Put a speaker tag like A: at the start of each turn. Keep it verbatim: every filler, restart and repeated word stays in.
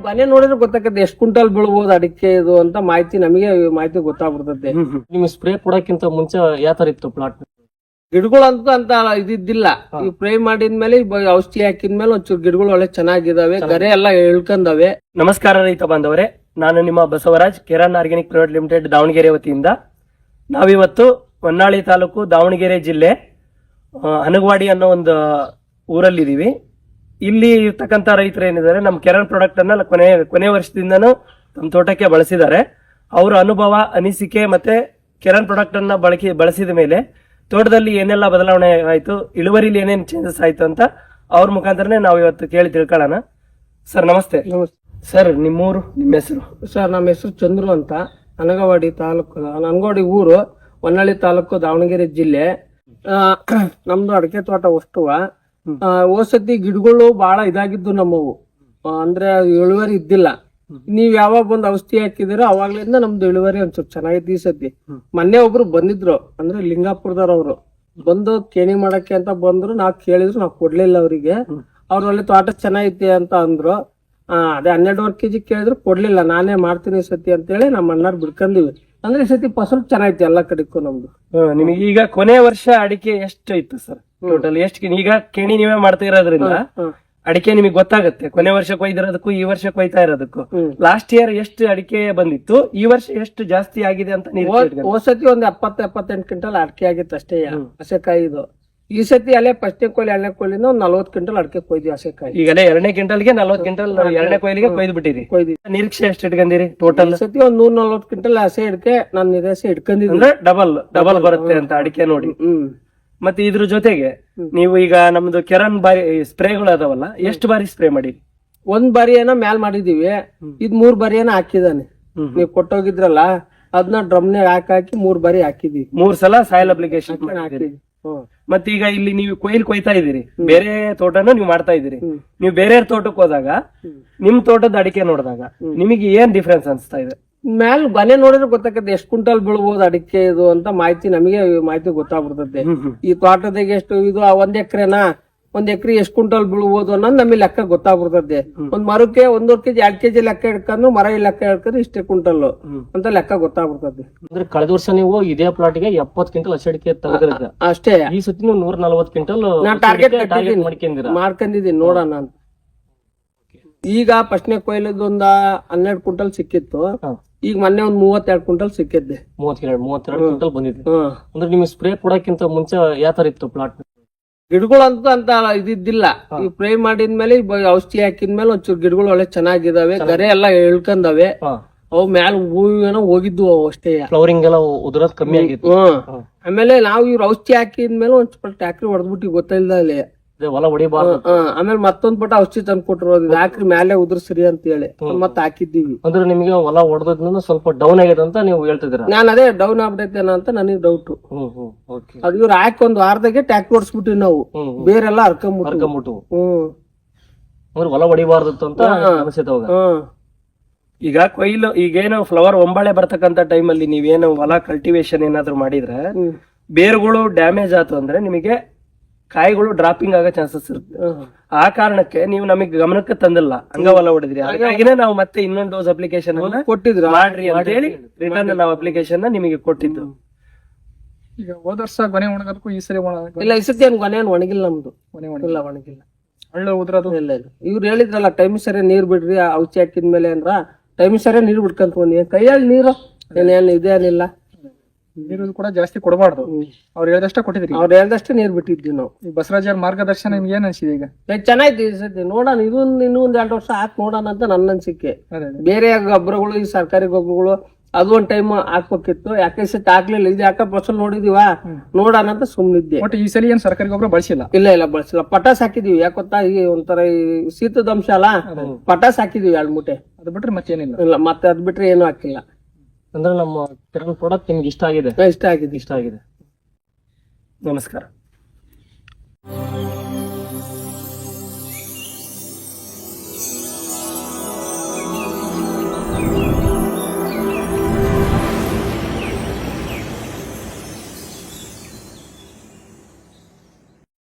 A: ಮನೆ ನೋಡಿದ್ರೆ ಗೊತ್ತಾಗತ್ತೆ ಎಷ್ಟು ಕ್ವಿಂಟಲ್ ಬೀಳ್ಬೋದು ಅಡಿಕೆ ಇದು ಅಂತ ಮಾಹಿತಿ ನಮಗೆ ಮಾಹಿತಿ ಗೊತ್ತಾಗ್ಬಿಡ್ತದೆ.
B: ನಿಮ್ ಸ್ಪ್ರೇ ಕೊಡಕ್ಕಿಂತ ಮುಂಚೆ ಯಾವ ತರ ಇತ್ತು ಪ್ಲಾಟ್?
A: ಗಿಡಗಳಂತೂ ಅಂತ ಇದಿದ್ದಿಲ್ಲ. ಈ ಸ್ಪ್ರೇ ಮಾಡಿದ್ಮೇಲೆ ಈ ಔಷಧಿ ಹಾಕಿದ್ಮೇಲೆ ಒಂಚೂರು ಗಿಡಗಳು ಒಳ್ಳೆ ಚೆನ್ನಾಗಿದಾವೆ, ಗರೆ ಎಲ್ಲ ಇಳ್ಕೊಂಡವೆ.
B: ನಮಸ್ಕಾರ ರೈತ ಬಾಂಧವರೇ, ನಾನು ನಿಮ್ಮ Basavaraj, Kiran organic private limited Davanagere ವತಿಯಿಂದ ನಾವಿವತ್ತು ಹೊನ್ನಾಳಿ ತಾಲೂಕು ದಾವಣಗೆರೆ ಜಿಲ್ಲೆ ಹನಗವಾಡಿ ಅನ್ನೋ ಒಂದು ಊರಲ್ಲಿದ್ದೀವಿ. ಇಲ್ಲಿ ಇರ್ತಕ್ಕಂಥ ರೈತರು ಏನಿದ್ದಾರೆ ನಮ್ಮ ಕೆರನ್ ಪ್ರಾಡಕ್ಟ್ ಅನ್ನ ಕೊನೆ ಕೊನೆ ವರ್ಷದಿಂದನೂ ನಮ್ಮ ತೋಟಕ್ಕೆ ಬಳಸಿದ್ದಾರೆ. ಅವರ ಅನುಭವ, ಅನಿಸಿಕೆ ಮತ್ತೆ ಕೆರನ್ ಪ್ರಾಡಕ್ಟ್ ಅನ್ನ ಬಳಕೆ ಬಳಸಿದ ಮೇಲೆ ತೋಟದಲ್ಲಿ ಏನೆಲ್ಲ ಬದಲಾವಣೆ ಆಯ್ತು, ಇಳುವರಿಲಿ ಏನೇನು ಚೇಂಜಸ್ ಆಯ್ತು ಅಂತ ಅವ್ರ ಮುಖಾಂತರನೇ ನಾವು ಇವತ್ತು ಕೇಳಿ ತಿಳ್ಕೊಳ್ಳೋಣ. ಸರ್ ನಮಸ್ತೆ. ಸರ್ ನಿಮ್ಮೂರು, ನಿಮ್ಮ ಹೆಸರು?
A: ಸರ್ ನಮ್ಮ ಹೆಸರು ಚಂದ್ರು ಅಂತ, ಹನಗವಾಡಿ ತಾಲೂಕು, ಹನಗವಾಡಿ ಊರು, ಹೊನ್ನಾಳಿ ತಾಲೂಕು, ದಾವಣಗೆರೆ ಜಿಲ್ಲೆ. ನಮ್ದು ಅಡಿಕೆ ತೋಟ ವಸ್ತುವ. ಓಸತಿ ಗಿಡಗಳು ಬಹಳ ಇದಾಗಿದ್ದು ನಮ್ಮವು, ಅಂದ್ರೆ ಇಳುವರಿ ಇದ್ದಿಲ್ಲ. ನೀವ್ ಯಾವಾಗ ಬಂದ್ ಔಷಧಿ ಹಾಕಿದಿರೋ ಅವಾಗ್ಲಿಂದ ನಮ್ದು ಇಳುವರಿ ಒಂದ್ ಚೆನ್ನಾಗಿತ್ತು. ಈ ಸತಿ ಮೊನ್ನೆ ಒಬ್ರು ಬಂದಿದ್ರು, ಅಂದ್ರೆ ಲಿಂಗಾಪುರದವ್ರು ಬಂದು ಕೇಣಿ ಮಾಡಕ್ಕೆ ಅಂತ ಬಂದ್ರು. ನಾವ್ ಕೇಳಿದ್ರು, ನಾವ್ ಕೊಡ್ಲಿಲ್ಲ ಅವರಿಗೆ. ಅವ್ರು ಒಳ್ಳೆ ತೋಟ ಚೆನ್ನಾಗೈತಿ ಅಂತ ಅಂದ್ರು. ಆ ಅದೇ ಹನ್ನೆರಡುವರೆ ಕೆಜಿ ಕೇಳಿದ್ರು, ಕೊಡ್ಲಿಲ್ಲ. ನಾನೇ ಮಾಡ್ತೀನಿ ಈ ಸತಿ ಅಂತ ಹೇಳಿ ನಮ್ಮ ಅಣ್ಣಾರ್ ಬಿಡ್ಕೊಂಡಿವಿ. ಅಂದ್ರೆ ಈ ಸತಿ ಫಸಲು ಚೆನ್ನಾಗೈತಿ ಎಲ್ಲಾ ಕಡೆಗೂ ನಮ್ದು.
B: ನಿಮಗೆ ಈಗ ಕೊನೆ ವರ್ಷ ಅಡಿಕೆ ಎಷ್ಟು ಇತ್ತು ಸರ್ ಟೋಟಲ್? ಎಷ್ಟು? ಈಗ ಕೇಣಿ ನೀವೇ ಮಾಡ್ತಾ ಇರೋದ್ರಿಂದ ಅಡಿಕೆ ನಿಮಗೆ ಗೊತ್ತಾಗುತ್ತೆ ಕೊನೆ ವರ್ಷ ಕೊಯ್ದಿರೋದಕ್ಕೂ ಈ ವರ್ಷ ಕೊಯ್ತಾ ಇರೋದಕ್ಕೂ. ಲಾಸ್ಟ್ ಇಯರ್ ಎಷ್ಟು ಅಡಿಕೆ ಬಂದಿತ್ತು, ಈ ವರ್ಷ ಎಷ್ಟು ಜಾಸ್ತಿ ಆಗಿದೆ ಅಂತ ನೀವು?
A: ಹೋಸತಿ ಒಂದ್ ಎಪ್ಪತ್ತ ಎಪ್ಪತ್ತೆಂಟು ಕ್ವಿಂಟಲ್ ಅಡಿಕೆ ಆಗಿತ್ತು ಅಷ್ಟೇ ಹಸೆಕಾಯಿ. ಇದು ಈ ಸತಿ ಅಲ್ಲೇ ಫಸ್ಟ್ನೇ ಕೊಯ್ಲಿ ಎರಡನೇ ಕೊಯ್ಲಿಂದ ಒಂದ್ ನಲ್ವತ್ ಕ್ವಿಂಟಲ್ ಅಡಿಕೆ ಕೊಯ್ದಿ ಹಸೆಕಾಯಿ.
B: ಈಗಲೇ ಎರಡನೇ ಕ್ವಿಂಟಲ್ಗೆ ನಲ್ವತ್ ಕ್ವಿಂಟಲ್ ಎರಡನೇ ಕೊಯ್ಲಿಗೆ ಕೊಯ್ದು ಬಿಟ್ಟಿರಿ.
A: ಕೊಯ್ದಿ
B: ನಿರೀಕ್ಷೆ ಎಷ್ಟು ಇಟ್ಕೊಂಡಿರಿ ಟೋಟಲ್?
A: ಈ ಸತಿ ಒಂದ್ ನೂರ್ ನಲ್ವತ್ ಕ್ವಿಂಟಲ್ ಹಸೆ ಅಡಿಕೆ ನಾನು ನಿರಾಸೆ ಇಟ್ಕೊಂಡಿದ್ದೀನಿ.
B: ಅಂದ್ರೆ ಡಬಲ್ ಡಬಲ್ ಬರುತ್ತೆ ಅಂತ ಅಡಿಕೆ ನೋಡಿ.
A: ಹ್ಮ್
B: ಮತ್ತೆ ಇದ್ರ ಜೊತೆಗೆ ನೀವು ಈಗ ನಮ್ದು ಕೆರನ್ ಬಾರಿ ಸ್ಪ್ರೇಗಳು ಅದಾವಲ್ಲ, ಎಷ್ಟು ಬಾರಿ ಸ್ಪ್ರೇ ಮಾಡಿ?
A: ಒಂದ್ ಬಾರಿ ಏನೋ ಮ್ಯಾಲ್ ಮಾಡಿದೀವಿ, ಇದ್ ಮೂರ್ ಬಾರಿ ಏನೋ ಹಾಕಿದಾನೆ. ನೀವ್ ಕೊಟ್ಟೋಗಿದ್ರಲ್ಲ ಅದನ್ನ ಡ್ರಮ್ನಾಗ ಹಾಕಿ ಹಾಕಿ ಮೂರ್ ಬಾರಿ ಹಾಕಿದೀವಿ.
B: ಮೂರ್ ಸಲ ಸಾಯಿಲ್ ಅಪ್ಲಿಕೇಶನ್
A: ಹಾಕಿದೀವಿ.
B: ಮತ್ತೆ ಈಗ ಇಲ್ಲಿ ನೀವು ಕೊಯ್ಲು ಕೊಯ್ತಾ ಇದೀರಿ, ಬೇರೆ ತೋಟನ ನೀವು ಮಾಡ್ತಾ ಇದೀರಿ. ನೀವು ಬೇರೆ ತೋಟಕ್ಕೆ ಹೋದಾಗ ನಿಮ್ ತೋಟದ ಅಡಿಕೆ ನೋಡಿದಾಗ ನಿಮಗೆ ಏನ್ ಡಿಫ್ರೆನ್ಸ್ ಅನ್ಸ್ತಾ ಇದೆ?
A: ಮ್ಯಾಲ್ ಮನೆ ನೋಡಿದ್ರೆ ಗೊತ್ತಾಗತ್ತೆ ಎಷ್ಟು ಕ್ವಿಂಟಲ್ ಬೀಳ್ಬೋದು ಅಡಿಕೆ ಇದು ಅಂತ ಮಾಹಿತಿ ನಮಗೆ ಮಾಹಿತಿ ಗೊತ್ತಾಗ್ಬಿಡ್ತದೆ. ಈ ತೋಟದಾಗ ಎಷ್ಟು ಇದು ಒಂದ್ ಎಕರೆನಾ, ಒಂದ್ ಎಕರೆ ಎಷ್ಟು ಕ್ವಿಂಟಲ್ ಬೀಳ್ಬೋದು ಅನ್ನೋದು ನಮಗೆ ಲೆಕ್ಕ ಗೊತ್ತಾಗ್ಬಿಡ್ತದೆ. ಒಂದ್ ಮರಕ್ಕೆ ಒಂದೂವರೆ ಕೆಜಿ ಎರಡ್ ಕೆಜಿ ಲೆಕ್ಕ ಹಿಡ್ಕೊಂಡು ಮರ ಲೆಕ್ಕ ಹಿಡ್ಕೊಂಡು ಇಷ್ಟೇ ಕ್ವಿಂಟಲ್ ಅಂತ ಲೆಕ್ಕ ಗೊತ್ತಾಗ್ಬಿಡ್ತದೆ.
B: ಅಂದ್ರೆ ಕಳೆದ ವರ್ಷ ನೀವು ಇದೇ ಪ್ಲಾಟ್ ಗೆ ಎಪ್ಪತ್ ಕ್ವಿಂಟಲ್ ಹಸಿ ಅಡಿಕೆ ತೆಗೆದ್ರಿ
A: ಅಷ್ಟೇ.
B: ಈ ಸತಿ ನೀವು ನೂರ ನಲ್ವತ್ ಕ್ವಿಂಟಲ್
A: ಟಾರ್ಗೆಟ್ ಮಾಡ್ಕೊಂಡಿದೀನಿ ನೋಡೋಣ ಅಂತ. ಈಗ ಫಸ್ಟ್ನೇ ಕೊಯ್ಲದ ಒಂದ ಹನ್ನೆರಡು ಕ್ವಿಂಟಲ್ ಸಿಕ್ಕಿತ್ತು, ಈಗ ಮೊನ್ನೆ ಒಂದ್ ಮೂವತ್ತೆರಡು ಕ್ವಿಂಟಲ್ ಸಿಕ್ಕಿದ್ದೆ.
B: ಮೂವತ್ತೆರಡು ಮೂವತ್ತೆರಡು ಕ್ವಿಂಟಲ್ ಬಂದಿದೆ. ಅಂದ್ರೆ ನಿಮ್ಗೆ ಸ್ಪ್ರೇ ಕೊಡಕ್ಕಿಂತ ಮುಂಚೆ ಯಾವ ತರ ಇತ್ತು ಪ್ಲಾಟ್?
A: ಗಿಡಗಳಂತೂ ಅಂತ ಇದಿದ್ದಿಲ್ಲ. ಈ ಸ್ಪ್ರೇ ಮಾಡಿದ್ಮೇಲೆ ಈ ಔಷಧಿ ಹಾಕಿದ್ಮೇಲೆ ಒಂಚೂರು ಗಿಡಗಳು ಒಳ್ಳೆ ಚೆನ್ನಾಗಿದಾವೆ, ಗರೆ ಎಲ್ಲ ಇಳ್ಕೊಂಡವೆ. ಅವು ಮ್ಯಾಲ ಹೂವೇನೋ ಹೋಗಿದ್ವು ಅವು ಅಷ್ಟೇ.
B: ಫ್ಲವರಿಂಗ್ ಎಲ್ಲ ಉದುರೋದ್ ಕಮ್ಮಿ ಆಗಿತ್ತು.
A: ಆಮೇಲೆ ನಾವು ಇವ್ರ ಔಷಧಿ ಹಾಕಿದ್ಮೇಲೆ ಒಂದ್ ಸ್ವಲ್ಪ ಟ್ಯಾಕ್ರಿ ಹೊಡೆದ್ಬಿಟ್ಟು ಗೊತ್ತಿಲ್ಲ ಅಲ್ಲಿ
B: ಹೊಲ ಹೊಡಿಬಾರ್ದು.
A: ಆಮೇಲೆ ಮತ್ತೊಂದ್ ಪಟ ಔಷಧಿ ತಂದು ಕೊಟ್ಟರು, ಹಾಕ್ರಿ ಮ್ಯಾಲೆ ಉದುರ್ಸ್ರಿ ಅಂತ ಹೇಳಿ ಮತ್ತ ಹಾಕಿದ್ದೀವಿ.
B: ಅಂದ್ರೆ ನಿಮಗೆ ಹೊಲ ಹೊಡೆದ್ರಿಂದ ಸ್ವಲ್ಪ ಡೌನ್ ಆಗಿದೆ ಅಂತ ನೀವು ಹೇಳ್ತಿದ್ದೀರಾ?
A: ನಾನ್ ಅದೇ ಡೌನ್ ಆಗ್ಬಿಟ್ಟೈತೇನ ಅಂತ ನನಗೆ ಡೌಟ್. ಅದು ಇವ್ರು ಹಾಕಿ ಒಂದ್ ವಾರದಾಗೆ ಟ್ಯಾಕ್ರಿ ಹೊಡ್ಸ್ಬಿಟ್ಟಿವಿ ನಾವು, ಬೇರೆಲ್ಲ ಹರ್ಕೊಂಡ್ಬಿಟ್ಟು. ಹ್ಮ್
B: ಅಂದ್ರೆ ಹೊಲ ಹೊಡಿಬಾರ್ದು ಅಂತ ಅನ್ಸುತ್ತೆ ಅವಾಗ. ಈಗ ಕೊಯ್ಲು ಈಗೇನು ಫ್ಲವರ್ ಒಂಬಾಳೆ ಬರ್ತಕ್ಕಂತ ಟೈಮಲ್ಲಿ ನೀವೇನು ಹೊಲ ಕಲ್ಟಿವೇಶನ್ ಏನಾದ್ರು ಮಾಡಿದ್ರೆ ಬೇರುಗಳು ಡ್ಯಾಮೇಜ್ ಆಯ್ತು ಅಂದ್ರೆ ನಿಮಗೆ ಕಾಯಿಗಳು ಡ್ರಾಪಿಂಗ್ ಆಗೋ ಚಾನ್ಸಸ್ ಇರುತ್ತೆ. ಆ ಕಾರಣಕ್ಕೆ ನೀವು ನಮಗೆ ಗಮನಕ್ಕೆ ತಂದಿಲ್ಲ, ಹಂಗ ಹೊಲ ಹೊಡೆದ್ರಿ. ಹಾಗಾಗಿನೇ ನಾವು ಮತ್ತೆ ಇನ್ನೊಂದು ಡೋಸ್ ಅಪ್ಲಿಕೇಶನ್ ಕೊಟ್ಟಿದ್ರು, ಮಾಡ್ರಿ ಅಂತ ಹೇಳಿ ರಿಟರ್ನ್ ನಾವು ಅಪ್ಲಿಕೇಶನ್ ನಿಮಗೆ ಕೊಟ್ಟಿದ್ದು.
C: ಈಗ ಹೋದ ವರ್ಷ ಗೊನೆ ಒಣಗೋದಕ್ಕೂ ಈ ಸರಿ
A: ಇಲ್ಲ, ಈ ಸತಿ ಏನ್ ಗೊನೆ ಒಣಗಿಲ್ಲ ನಮ್ದು. ಇಲ್ಲ ಒಣಗಿಲ್ಲ,
C: ಹಳ್ಳ ಉದ್ರದು
A: ಇಲ್ಲ ಇಲ್ಲ. ಇವ್ರು ಹೇಳಿದ್ರಲ್ಲ ಟೈಮ್ ಸರಿ ನೀರ್ ಬಿಡ್ರಿ ಔಷಧಿ ಹಾಕಿದ್ಮೇಲೆ ಅಂದ್ರ ಟೈಮ್ ಸರಿ ನೀರ್ ಬಿಡ್ಕಂತ ಬಂದಿ. ಕೈಯಲ್ಲಿ ನೀರು ಏನೇನ್ ಇದೇನಿಲ್ಲ,
C: ನೀರು ಕೂಡ ಜಾಸ್ತಿ ಕೊಡಬಾರ್ದು. ಅವ್ರು ಹೇಳ್ದಷ್ಟೇ ಕೊಟ್ಟಿದ್ರಿ?
A: ಅವ್ರು ಹೇಳ್ದಷ್ಟೇ ನೀರ್ ಬಿಟ್ಟಿದ್ವಿ ನಾವು.
C: ಈ ಬಸವರಾಜ್ ಅವ್ರ ಮಾರ್ಗದರ್ಶನ ನಿಮ್ಗೆ ಏನ್ ಅನ್ಸಿದೆ? ಈಗ
A: ಚೆನ್ನಾಯ್ತು ಈ ಸತಿ. ನೋಡೋಣ, ಇದೊಂದು ಇನ್ನೂ ಒಂದ್ ಎರಡು ವರ್ಷ ಹಾಕಿ ನೋಡೋಣ ಅಂತ ನನ್ನ ಅನ್ಸಿಕೆ. ಬೇರೆ ಗೊಬ್ಬರಗಳು, ಈ ಸರ್ಕಾರಿ ಗೊಬ್ಬರಗಳು ಅದು ಒಂದ್ ಟೈಮ್ ಹಾಕ್ಬೇಕಿತ್ತು, ಯಾಕೆ ಸತಿ ಹಾಕ್ಲಿಲ್ಲ. ಇದು ಯಾಕ ಫಸಲ್ ನೋಡಿದೀವ, ನೋಡೋಣ ಅಂತ ಸುಮ್ನಿದ್ದೆ.
C: ಬಟ್ ಈ ಸಲ ಏನ್ ಸರ್ಕಾರಿ ಗೊಬ್ಬರ ಬಳಸಿಲ್ಲ?
A: ಇಲ್ಲ ಇಲ್ಲ ಬಳಸಿಲ್ಲ. ಪಟಾಸ್ ಹಾಕಿದೀವಿ. ಯಾಕೊತ್ತಾ, ಈ ಒಂಥರ ಈ ಶೀತದ ಅಂಶ ಅಲ್ಲ, ಪಟಾಸ್ ಹಾಕಿದೀವಿ ಎರಡ್ ಮೂಟೆ.
C: ಅದು ಬಿಟ್ರೆ ಮತ್ತೇನಿಲ್ಲ.
A: ಇಲ್ಲ, ಮತ್ತೆ ಅದ್ ಬಿಟ್ರೆ ಏನು ಹಾಕಿಲ್ಲ.
B: ಅಂದ್ರೆ ನಮ್ಮ ಕೆರನ್ ಪ್ರಾಡಕ್ಟ್ ನಿಮ್ಗೆ ಇಷ್ಟ ಆಗಿದೆ?
A: ಇಷ್ಟ ಆಗಿದೆ
B: ಇಷ್ಟ ಆಗಿದೆ. ನಮಸ್ಕಾರ.